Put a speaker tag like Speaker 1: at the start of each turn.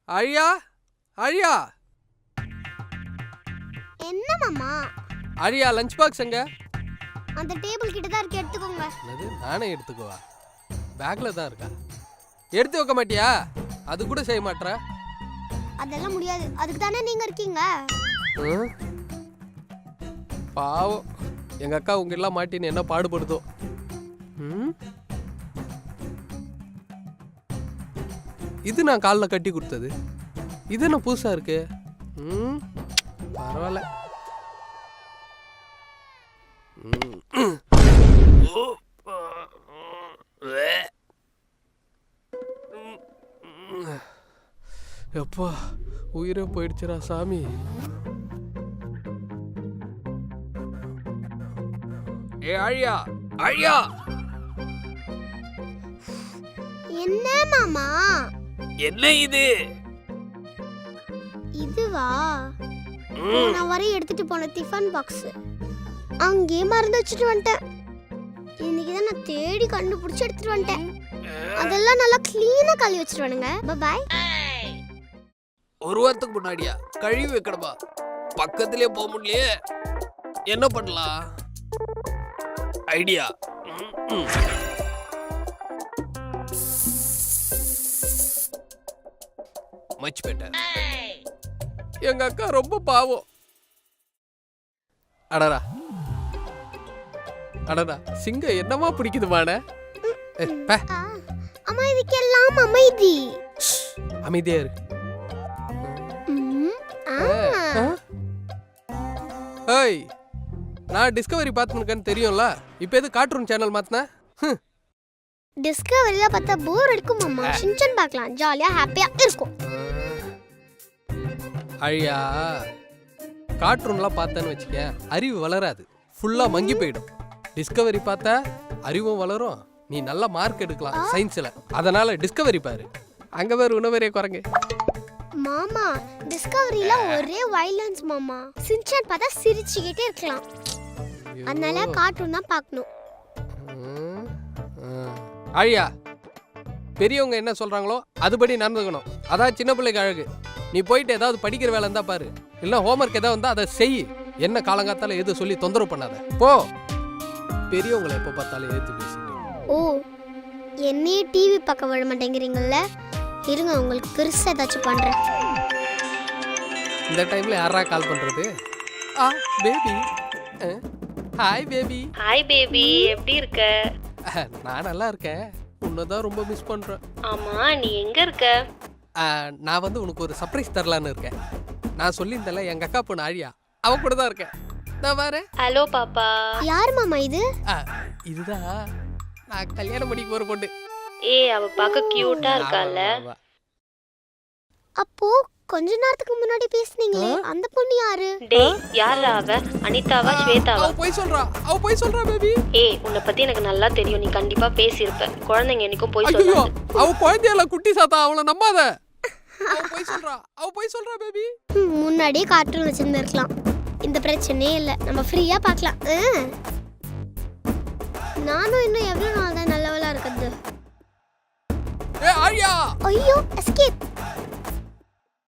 Speaker 1: அழியா அழியா
Speaker 2: என்ன மாமா?
Speaker 1: அழியா லஞ்ச் பாக்ஸ் எங்க?
Speaker 2: அந்த டேபிள் கிட்ட தான் இருக்கு, எடுத்துக்கோங்க.
Speaker 1: என்னது நானே எடுத்துக்குவா? பேக்ல தான் இருக்கா? எடுத்து வைக்க மாட்டியா? அது கூட செய்ய மாட்ற?
Speaker 2: அதெல்லாம் முடியாது, அதுக்கு தானே நீங்க இருக்கீங்க.
Speaker 1: பாவம் எங்க அக்கா உங்க எல்லாம் மாட்டின்னு என்ன பாடுபடுதோ. இது நான் காலில் கட்டி கொடுத்தது, இது என்ன புதுசா இருக்கு? பரவாயில்ல. எப்பா உயிரே போயிடுச்சுடா சாமி. ஏ அழியா அழியா.
Speaker 2: என்ன மாமா?
Speaker 1: என்ன இது?
Speaker 2: இதுவா? நான் வரை எடுத்துட்டு போன டிஃபன் பாக்ஸ் அங்கேயே மறந்து வச்சுட்டு வந்துட்டேன். இன்னைக்கு தான் நான் தேடி கண்டுபிடிச்சு எடுத்துட்டு வந்துட்டேன். அதெல்லாம் நல்லா கிளீனா கழுவி வச்சுட்டு வானுங்க. பை.
Speaker 1: ஒரு வாரத்துக்கு முன்னாடியா கழுவி வைக்கணுமா? பக்கத்திலே போக முடியலையே, என்ன பண்ணலாம்? ஐடியா. Much better. எங்க அக்கா ரொம்ப பாவம். அடடா அடடா, சிங்கம் என்னமா பிடிக்குதுமான?
Speaker 2: அம்மா இதுக்கெல்லாம் அமைதி.
Speaker 1: அமைதியா இருக்கு. ஏய், நான் டிஸ்கவரி பார்த்துருக்கேன்னு தெரியும்ல, இப்போ எது கார்ட்டூன் சேனல் மாத்தின?
Speaker 2: டிஸ்கவரியில பார்த்தா போர் அடிக்கும் மாமா. ஷின்சான் பார்க்கலாம், ஜாலியா ஹாப்பியா இருக்கும்.
Speaker 1: அழியா, கார்ட்டூன்லாம் பார்த்தேன்னு வச்சுக்க அறிவு வளராது, ஃபுல்லா மங்கி போயிடும். டிஸ்கவரி பார்த்தா அறிவும் வளரும், நீ நல்ல மார்க் எடுக்கலாம் சயின்ஸ்ல. அதனால டிஸ்கவரி பாரு. அங்க வேற உணவரே குரங்கு.
Speaker 2: மாமா டிஸ்கவரியில ஒரே வயலன்ஸ் மாமா. ஷின்சான் பார்த்தா சிரிச்சுக்கிட்டே இருக்கலாம். அதனால கார்ட்டூன் தான் பார்க்கணும்.
Speaker 1: அழியா, பெரியவங்க என்ன சொல்றாங்களோ அதுபடி நடந்துக்கணும், அதான் சின்ன பிள்ளைக்கு அழகு. நீ போயிட்டு ஏதாவது படிக்கிற வேலை இருந்தா பாரு, இல்ல ஹோம்ஒர்க் ஏதாவது இருந்தா அதை செய். என்ன காலங்காத்தால எது சொல்லி தொந்தரவு பண்ணாத போ. பெரியவங்களை எப்போ பார்த்தாலும் ஏத்து பேசுங்க.
Speaker 2: ஓ, என்னையே டிவி பார்க்க விட மாட்டேங்கிறீங்கல்ல? இருங்க, உங்களுக்கு பெருசா ஏதாச்சும் பண்றேன்.
Speaker 1: இந்த டைம்ல யாரா கால் பண்றது? Baby. Hi baby.
Speaker 3: Hi baby, எப்படி இருக்க?
Speaker 1: நான் நல்லா இருக்கேன், உன்னதான் ரொம்ப மிஸ் பண்றேன்.
Speaker 3: ஆமா, நீ எங்க இருக்க?
Speaker 1: நான் வந்து உனக்கு ஒரு சர்ப்ரைஸ் தரலான்னு இருக்கேன். நான் சொல்லியிருந்தேன்ல எங்க அக்கா பொண்ணு ஆழியா, அவ கூட தான் இருக்கேன். நான் பாரு.
Speaker 3: ஹலோ பாப்பா.
Speaker 2: யார் மாமா இது?
Speaker 1: இதுதான் நான் கல்யாணம் பண்ணிக்க போற பொண்ணு.
Speaker 3: அவ பார்க்க கியூட்டா இருக்கால.
Speaker 2: அப்போ கொஞ்ச நேரத்துக்கு முன்னாடி பேசுனீங்களே, அந்த பொண்ணு யாரு?
Speaker 3: டேய், யாரா அவ? அனிதாவா ஸ்வேதாவா?
Speaker 1: அவ போய் சொல்றா பேபி.
Speaker 3: உன்னை பத்தி எனக்கு நல்லா தெரியும், நீ கண்டிப்பா பேசியிருப்ப. குழந்தைங்க என்னைக்கும் போய் சொல்லாது.
Speaker 1: அவ குழந்தையில குட்டி சாத்தா, அவளை நம்பாத. அவ போய் சொல்றா பேபி.
Speaker 2: முன்னாடியே கார்ட்டூன் வச்சிருந்திருக்கலாம், இந்த பிரச்சனையே இல்ல, நம்ம ஃப்ரீயா பார்க்கலாம். நானும் இன்னும் எவ்வளவு நாள் தான் நல்லவளா இருக்குது.
Speaker 1: ஆழியா,
Speaker 2: ஐயோ எஸ்கேப்.